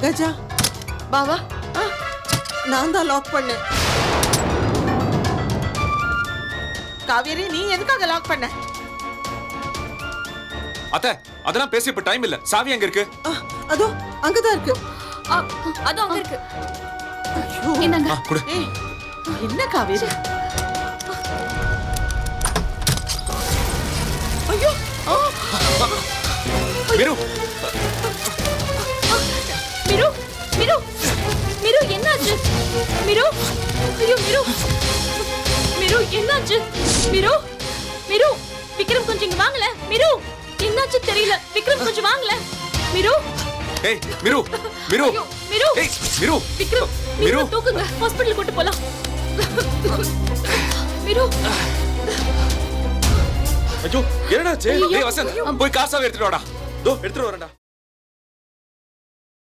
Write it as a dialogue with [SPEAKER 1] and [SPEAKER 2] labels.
[SPEAKER 1] கஜா
[SPEAKER 2] பாவா
[SPEAKER 1] நான் தான் லாக் பண்ணேன். காவேரி நீ எதுக்காக லாக் பண்ண?
[SPEAKER 3] அத்தை அதெல்லாம் பேசி இப்ப டைம் இல்ல. சாவி எங்க இருக்கு?
[SPEAKER 1] அதோ அங்கதான் இருக்கு.
[SPEAKER 2] அது அங்க இருக்கு.
[SPEAKER 1] ஐயோ.
[SPEAKER 2] என்னங்க
[SPEAKER 3] குடு.
[SPEAKER 1] ஏய், என்ன காவேரி? ஐயோ
[SPEAKER 3] மிரு
[SPEAKER 2] மிரு மிரு மிரு என்னாச்சு? மிரு ஐயோ மிரு மிரு என்னாச்சு? மிரு மிரு விக்ரம் கொஞ்சம் இங்க வாங்கல. மிரு என்னாச்சு தெரியல. விக்ரம் கொஞ்சம் வாங்கல. மிரு
[SPEAKER 3] ஏய் மிரு மிரு
[SPEAKER 2] ஐயோ மிரு
[SPEAKER 3] ஏய் மிரு
[SPEAKER 2] விக்ரம்
[SPEAKER 3] மிரு
[SPEAKER 2] மிரு தூக்குங்க. ஹாஸ்பிடல் கூட்டி போலாம். மிரு
[SPEAKER 3] ஐயோ என்னடாச்சு? ஏய் வசந்த் போய் காசாவை எடுத்துட்டு வாடா. தோ எடுத்துட்டு வரேன்டா.